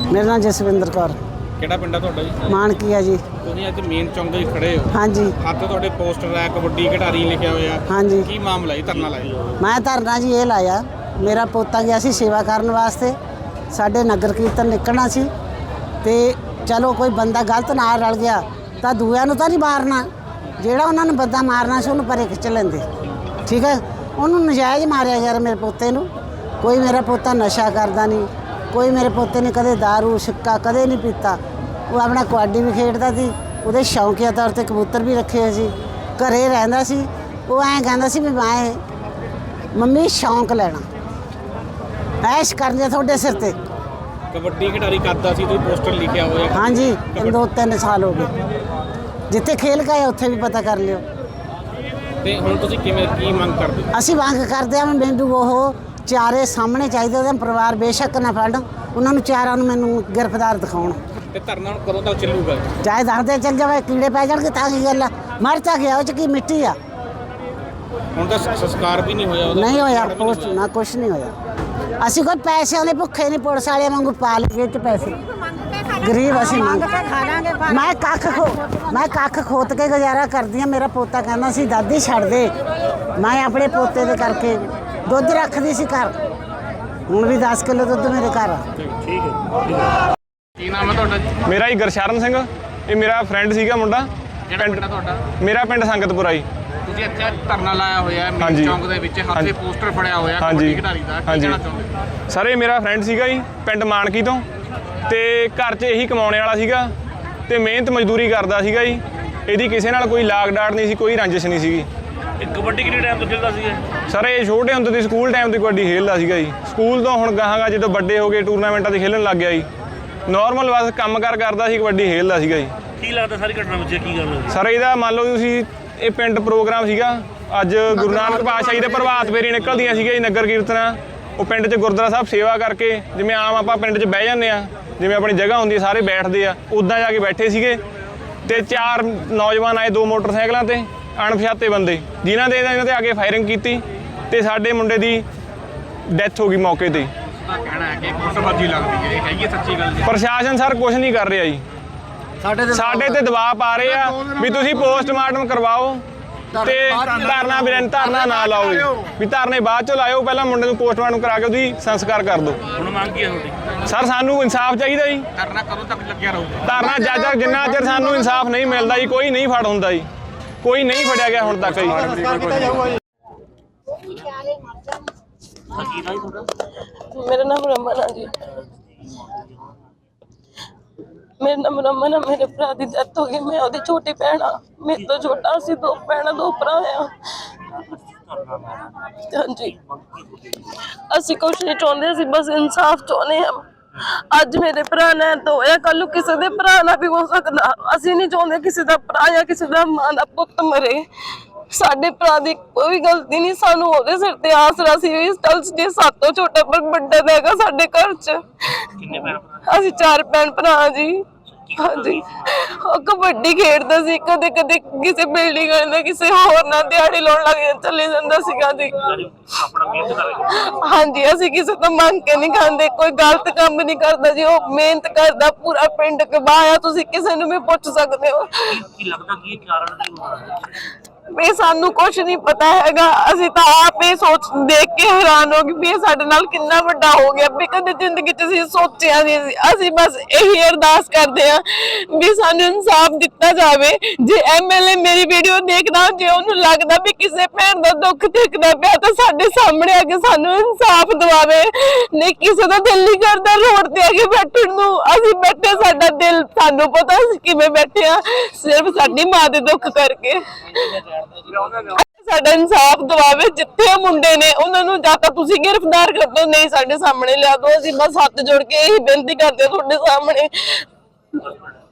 मेरा नाम जसविंदर कौर। ਕਿਹੜਾ ਪਿੰਡ ਆ ਤੁਹਾਡਾ ਜੀ? मानकी है जी। ਤੁਸੀਂ ਅੱਜ ਮੇਨ ਚੌਂਕ ਦੇ ਖੜੇ ਹੋ। हाँ जी। ਹੱਥ ਤੁਹਾਡੇ ਪੋਸਟਰ ਹੈ, ਕਬੱਡੀ ਖਿਡਾਰੀ ਲਿਖਿਆ ਹੋਇਆ। हाँ जी। ਕੀ ਮਾਮਲਾ ਜੀ, ਧਰਨਾ ਲਾਇਆ? मैं धरना जी ये लाया, मेरा पोता गया सी सेवा करने वास्ते, साडे नगर कीर्तन निकलना सी ते चलो कोई बंदा गलत ना रल गया तो दूया नूं तां नहीं मारना, ਜਿਹੜਾ ਉਹਨਾਂ ਨੇ ਬੰਦਾ ਮਾਰਨਾ ਸੀ ਉਹਨੂੰ ਪਰੇ ਖਿੱਚ ਲੈਂਦੇ। ਠੀਕ ਹੈ, ਉਹਨੂੰ ਨਜਾਇਜ਼ ਮਾਰਿਆ ਯਾਰ ਮੇਰੇ ਪੋਤੇ ਨੂੰ। ਕੋਈ ਮੇਰਾ ਪੋਤਾ ਨਸ਼ਾ ਕਰਦਾ ਨਹੀਂ, ਕੋਈ ਮੇਰੇ ਪੋਤੇ ਨੇ ਕਦੇ दारू ਸਿੱਕਾ ਕਦੇ ਨਹੀਂ ਪੀਤਾ। ਉਹ ਆਪਣਾ ਕਬੱਡੀ ਵੀ ਖੇਡਦਾ ਸੀ, ਉਹਦੇ ਸ਼ੌਂਕੀਆ ਤੌਰ ਤੇ ਕਬੂਤਰ ਵੀ ਰੱਖੇ ਹੋਏ ਸੀ, ਘਰੇ ਰਹਿੰਦਾ ਸੀ। ਉਹ ਐਂ ਕਹਿੰਦਾ ਸੀ ਵੀ ਮੈਂ ਮੰਮੀ ਸ਼ੌਂਕ ਲੈਣਾ, ਐਸ਼ ਕਰਨੀ ਤੁਹਾਡੇ ਸਿਰ ਤੇ। ਕਬੱਡੀ ਖਿਡਾਰੀ ਕਰਦਾ ਸੀ, ਤੁਸੀਂ ਪੋਸਟਰ ਲਿਖਿਆ ਹੋਇਆ। हाँ जी, 2-3 ਸਾਲ ਹੋ ਗਏ। ਜਿੱਥੇ ਖੇਲ ਗਏ ਉੱਥੇ ਵੀ ਪਤਾ ਕਰ ਲਿਓ। ਤੇ ਹੁਣ ਤੁਸੀਂ ਕਿਵੇਂ ਕੀ ਮੰਗ ਕਰਦੇ ਹੋ? ਅਸੀਂ ਮੰਗ ਕਰਦੇ ਹਾਂ ਮੈਨੂੰ ਉਹ ਚਾਰੇ ਸਾਹਮਣੇ ਚਾਹੀਦੇ, ਉਹਦਾ ਪਰਿਵਾਰ ਬੇਸ਼ੱਕ ਨਾ ਫੜਨ, ਉਹਨਾਂ ਨੂੰ ਚਾਰਾਂ ਨੂੰ ਮੈਨੂੰ ਗ੍ਰਿਫਤਾਰ ਦਿਖਾਉਣ। ਤੇ ਧਰਨਾ ਹੁਣ ਕਦੋਂ ਤੱਕ ਚੱਲੂਗਾ? ਚਾਹੇ ਦੱਸਦੇ ਚੱਲ ਜਾਵੇ, ਕੀੜੇ ਪੈ ਜਾਣਗੇ ਤਾਂ ਕੀ ਗੱਲ ਆ, ਮਰ ਤਾਂ ਗਿਆ, ਉਹ ਚ ਕੀ ਮਿੱਟੀ ਆ। ਹੁਣ ਤਾਂ ਸੰਸਕਾਰ ਵੀ ਨਹੀਂ ਹੋਇਆ ਉਹਦਾ? ਨਹੀਂ ਹੋਇਆ, ਕੁਛ ਨਾ ਕੁਛ ਨਹੀਂ ਹੋਇਆ। ਅਸੀਂ ਕੋਈ ਪੈਸੇ ਵਾਲੇ ਭੁੱਖੇ ਨਹੀਂ, ਪੁਲਿਸ ਵਾਲਿਆਂ ਵਾਂਗੂ ਪਾ ਲਈਏ ਚ ਪੈਸੇ, ਗਰੀਬ ਅਸੀਂ ਮੰਗ ਮੈਂ ਕੱਖ ਖੋਤ ਕੇ ਗੁਜ਼ਾਰਾ ਕਰਦੀ ਹਾਂ। ਮੇਰਾ ਪੋਤਾ ਕਹਿੰਦਾ ਸੀ ਦਾਦੀ ਛੱਡ ਦੇ, ਮੈਂ ਆਪਣੇ ਪੋਤੇ ਦੇ ਕਰਕੇ ਦੁੱਧ ਰੱਖਦੀ ਸੀ ਘਰ, ਹੁਣ ਵੀ 10 ਕਿਲੋ ਦੁੱਧ ਮੇਰੇ ਘਰ ਆ। ਠੀਕ ਹੈ। ਕੀ ਨਾਮ ਹੈ ਤੁਹਾਡਾ ਜੀ? ਮੇਰਾ ਹੀ ਗੁਰਸ਼ਰਨ ਸਿੰਘ, ਇਹ ਮੇਰਾ ਫਰੈਂਡ ਸੀਗਾ ਮੁੰਡਾ। ਕਿਹੜਾ ਪਿੰਡ ਤੁਹਾਡਾ? ਮੇਰਾ ਪਿੰਡ ਸੰਗਤਪੁਰਾ ਜੀ। ਤੁਸੀਂ ਇੱਥੇ ਧਰਨਾ ਲਾਇਆ ਹੋਇਆ ਹੈ ਮੇਨ ਚੌਂਕ ਦੇ ਵਿੱਚ, ਹੱਥ ਤੇ ਪੋਸਟਰ ਫੜਿਆ ਹੋਇਆ ਕਬੱਡੀ ਖਿਡਾਰੀ ਦਾ, ਕੀ ਕਹਿਣਾ ਚਾਹੁੰਦੇ? ਸਰ ਇਹ ਮੇਰਾ ਫਰੈਂਡ ਸੀਗਾ ਜੀ, ਪਿੰਡ ਮਾਨਕੀ ਤੋਂ, ਤੇ ਘਰ 'ਚ ਇਹੀ ਕਮਾਉਣੇ ਵਾਲਾ ਸੀਗਾ ਤੇ ਮਿਹਨਤ ਮਜ਼ਦੂਰੀ ਕਰਦਾ ਸੀਗਾ ਜੀ। ਇਹਦੀ ਕਿਸੇ ਨਾਲ ਕੋਈ ਲਾਗ ਡਾਟ ਨਹੀਂ ਸੀ, ਕੋਈ ਰੰਜਿਸ਼ ਨਹੀਂ ਸੀਗੀ। ਇਹ ਕਬੱਡੀ ਕਿੰਨੇ ਟਾਈਮ ਤੋਂ ਖੇਡਦਾ ਸੀਗਾ? ਸਰ ਇਹ ਛੋਟੇ ਹੁੰਦੇ ਤੇ ਸਕੂਲ ਟਾਈਮ ਤੇ ਕਬੱਡੀ ਖੇਡਦਾ ਸੀਗਾ ਜੀ। ਸਕੂਲ ਤੋਂ ਹੁਣ ਗਾਹਾਂ ਜਦੋਂ ਵੱਡੇ ਹੋ ਗਏ ਟੂਰਨਾਮੈਂਟਾਂ 'ਤੇ ਖੇਡਣ ਲੱਗ ਗਿਆ ਜੀ। ਨਾਰਮਲ ਬਸ ਕੰਮ ਕਾਰ ਕਰਦਾ ਸੀ, ਕਬੱਡੀ ਖੇਡਦਾ ਸੀਗਾ ਜੀ। ਕੀ ਲੱਗਦਾ ਸਾਰੀ ਘਟਨਾ ਵਿੱਚ ਕੀ ਗੱਲ ਹੋਈ? ਸਰ ਇਹਦਾ ਮੰਨ ਲਓ ਤੁਸੀਂ, ਇਹ ਪਿੰਡ ਪ੍ਰੋਗਰਾਮ ਸੀਗਾ ਅੱਜ, ਗੁਰੂ ਨਾਨਕ ਪਾਤਸ਼ਾਹ ਜੀ ਦੇ ਪ੍ਰਭਾਤ ਫੇਰੀ ਨਿਕਲਦੀਆਂ ਸੀਗੀਆਂ ਜੀ, ਨਗਰ ਕੀਰਤਨਾਂ। ਉਹ ਪਿੰਡ 'ਚ ਗੁਰਦੁਆਰਾ ਸਾਹਿਬ ਸੇਵਾ ਕਰਕੇ, ਜਿਵੇਂ ਆਮ ਆਪਾਂ ਪਿੰਡ 'ਚ ਬਹਿ ਜਾਂਦੇ ਆ, ਜਿਵੇਂ ਆਪਣੀ ਜਗ੍ਹਾ ਹੁੰਦੀ ਹੈ ਸਾਰੇ ਬੈਠਦੇ ਆ, ਉੱਦਾਂ ਜਾ ਕੇ ਬੈਠੇ ਸੀਗੇ ਤੇ 4 ਨੌਜਵਾਨ ਆਏ 2 ਮੋਟਰਸਾਈਕਲਾਂ ਤੇ, ਅਣਪਛਾਤੇ ਬੰਦੇ, ਜਿਨ੍ਹਾਂ ਦੇ ਇਹਨਾਂ ਤੇ ਆ ਕੇ ਫਾਇਰਿੰਗ ਕੀਤੀ ਤੇ ਸਾਡੇ ਮੁੰਡੇ ਦੀ ਡੈਥ ਹੋ ਗਈ ਮੌਕੇ ਤੇ। ਕਹਿਣਾ ਹੈ ਕਿ ਗੁੱਟਬਾਜ਼ੀ ਲੱਗਦੀ ਹੈ, ਇਹ ਹੈਗੀ ਸੱਚੀ ਗੱਲ ਜੀ? ਪ੍ਰਸ਼ਾਸਨ ਸਰ ਕੁਝ ਨਹੀਂ ਕਰ ਰਿਹਾ ਜੀ, ਸਾਡੇ ਤੇ ਦਬਾਅ ਪਾ ਰਹੇ ਆ ਵੀ ਤੁਸੀਂ ਪੋਸਟਮਾਰਟਮ ਕਰਵਾਓ ਤੇ ਧਰਨਾ ਨਾ ਲਾਓ ਜੀ, ਵੀ ਧਰਨੇ ਬਾਅਦ ਚੋਂ ਲਾਇਓ, ਪਹਿਲਾਂ ਮੁੰਡੇ ਨੂੰ ਪੋਸਟਮਾਰਟਮ ਕਰਾ ਕੇ ਉਹਦੀ ਸੰਸਕਾਰ ਕਰ ਦਿਓ। ਹੁਣ ਮੰਗ ਕੀ ਹੈ ਤੁਹਾਡੀ? ਸਰ ਸਾਨੂੰ ਇਨਸਾਫ ਚਾਹੀਦਾ ਜੀ। ਧਰਨਾ ਕਦੋਂ ਤੱਕ ਲੱਗਿਆ ਰਹੂਗਾ? ਧਰਨਾ ਜਦ ਤੱਕ ਜਿੰਨਾ ਚਿਰ ਸਾਨੂੰ ਇਨਸਾਫ ਨਹੀਂ ਮਿਲਦਾ ਜੀ, ਕੋਈ ਨਹੀਂ ਫੜ ਹੁੰਦਾ ਜੀ, ਕੋਈ ਨਹੀਂ ਫੜਿਆ ਗਿਆ ਹੁਣ ਤੱਕ ਜੀ। मेरा नाम रमन है जी। मेरा नाम रमन है। मेरे भरा की डेथ हो गई, मैं ਉਹਦੀ छोटी भैन हाँ, मेरे तो छोटा सी 2 भैन 2 भरा हैं। हाँ जी, ਅਸੀਂ ਕੁਛ ਨਹੀਂ ਚਾਹੁੰਦੇ, ਅਸੀਂ ਬਸ ਇਨਸਾਫ ਚਾਹੁੰਦੇ ਹਾਂ। ਅੱਜ ਮੇਰੇ ਭਰਾ ਨੇ ਤਾਂ ਹੋਇਆ, ਕੱਲ ਨੂੰ ਕਿਸੇ ਦੇ ਭਰਾ ਨਾਲ ਵੀ ਹੋ ਸਕਦਾ। ਅਸੀਂ ਨਹੀਂ ਚਾਹੁੰਦੇ ਕਿਸੇ ਦਾ ਭਰਾ ਜਾਂ ਕਿਸੇ ਦਾ ਮਾਂ ਦਾ ਪੁੱਤ ਮਰੇ। ਸਾਡੇ ਭਰਾ ਦੀ ਕੋਈ ਗਲਤੀ ਨਹੀਂ, ਸਾਨੂੰ ਉਹਦੇ ਸਿਰ ਤੇ ਆਸਰਾ ਸੀ। ਇਸ ਗੱਲ ਜੇ ਸਾਤੋਂ ਛੋਟਾ ਪਰ ਵੱਡਾ ਹੈਗਾ ਸਾਡੇ ਘਰ 'ਚ। ਕਿੰਨੇ ਭੈਣ? ਅਸੀਂ 4 ਭੈਣ ਭਰਾ ਜੀ। ਹਾਂਜੀ, ਉਹ ਕਬੱਡੀ ਖੇਡਦਾ ਸੀ, ਕਦੇ ਕਦੇ ਕਿਸੇ ਬਿਲਡਿੰਗ ਨਾਲ ਕਿਸੇ ਹੋਰ ਨਾਲ ਦਿਹਾੜੀ ਲਾਉਣ ਲੱਗ ਚਲੇ ਜਾਂਦਾ ਸੀਗਾ ਜੀ। ਆਪਣਾ ਮਿਹਨਤ ਕਰਕੇ? ਹਾਂਜੀ, ਅਸੀਂ ਕਿਸੇ ਤੋਂ ਮੰਗ ਕੇ ਨਹੀਂ ਖਾਂਦੇ, ਕੋਈ ਗਲਤ ਕੰਮ ਨਹੀਂ ਕਰਦਾ ਜੀ। ਉਹ ਮਿਹਨਤ ਕਰਦਾ, ਪੂਰਾ ਪਿੰਡ ਕਬਾਇਆ, ਤੁਸੀਂ ਕਿਸੇ ਨੂੰ ਵੀ ਪੁੱਛ ਸਕਦੇ ਹੋ। ਕੀ ਲੱਗਦਾ ਕੀ ਕਾਰਨ ਕੀ ਹੋਣਾ? ਵੀ ਸਾਨੂੰ ਕੁਝ ਨਹੀਂ ਪਤਾ ਹੈਗਾ, ਅਸੀਂ ਤਾਂ ਆਪ ਇਹ ਸੋਚ ਦੇਖ ਕੇ ਹੈਰਾਨ ਹੋ ਗਏ ਵੀ ਇਹ ਸਾਡੇ ਨਾਲ ਕਿੰਨਾ ਵੱਡਾ ਹੋ ਗਿਆ ਵੀ ਕਦੇ ਜ਼ਿੰਦਗੀ 'ਚ ਅਸੀਂ ਸੋਚਿਆ ਨਹੀਂ ਸੀ। ਅਸੀਂ ਬਸ ਇਹੀ ਅਰਦਾਸ ਕਰਦੇ ਹਾਂ ਵੀ ਸਾਨੂੰ ਇਨਸਾਫ ਦਿੱਤਾ ਜਾਵੇ। ਜੇ ਐਮਐਲਏ ਮੇਰੀ ਵੀਡੀਓ ਦੇਖਦਾ, ਜੇ ਉਹਨੂੰ ਲੱਗਦਾ ਵੀ ਕਿਸੇ ਭੈਣ ਦਾ ਦੁੱਖ ਦੇਖਦਾ ਪਿਆ ਤਾਂ ਸਾਡੇ ਸਾਹਮਣੇ ਆ ਕੇ ਸਾਨੂੰ ਇਨਸਾਫ ਦਿਵਾਵੇ। ਨਹੀਂ ਕਿਸੇ ਦਾ ਦਿਲ ਨਹੀਂ ਕਰਦਾ ਰੋਡ ਤੇ ਆ ਕੇ ਬੈਠਣ ਨੂੰ, ਅਸੀਂ ਬੈਠੇ, ਸਾਡਾ ਦਿਲ, ਸਾਨੂੰ ਪਤਾ ਅਸੀਂ ਕਿਵੇਂ ਬੈਠੇ ਆ, ਸਿਰਫ ਸਾਡੀ ਮਾਂ ਦੇ ਦੁੱਖ ਕਰਕੇ। ਸਾਡਾ ਇਨਸਾਫ ਦਿਵਾਵੇ, ਜਿੱਥੇ ਮੁੰਡੇ ਨੇ ਉਹਨਾਂ ਨੂੰ ਜਾਂ ਤਾਂ ਤੁਸੀਂ ਗ੍ਰਿਫਤਾਰ ਕਰ ਦਿਓ, ਨਹੀਂ ਸਾਡੇ ਸਾਹਮਣੇ ਲਿਆ ਦਿਓ। ਅਸੀਂ ਬਸ ਹੱਥ ਜੋੜ ਕੇ ਇਹੀ ਬੇਨਤੀ ਕਰਦੇ ਹਾਂ ਤੁਹਾਡੇ ਸਾਹਮਣੇ।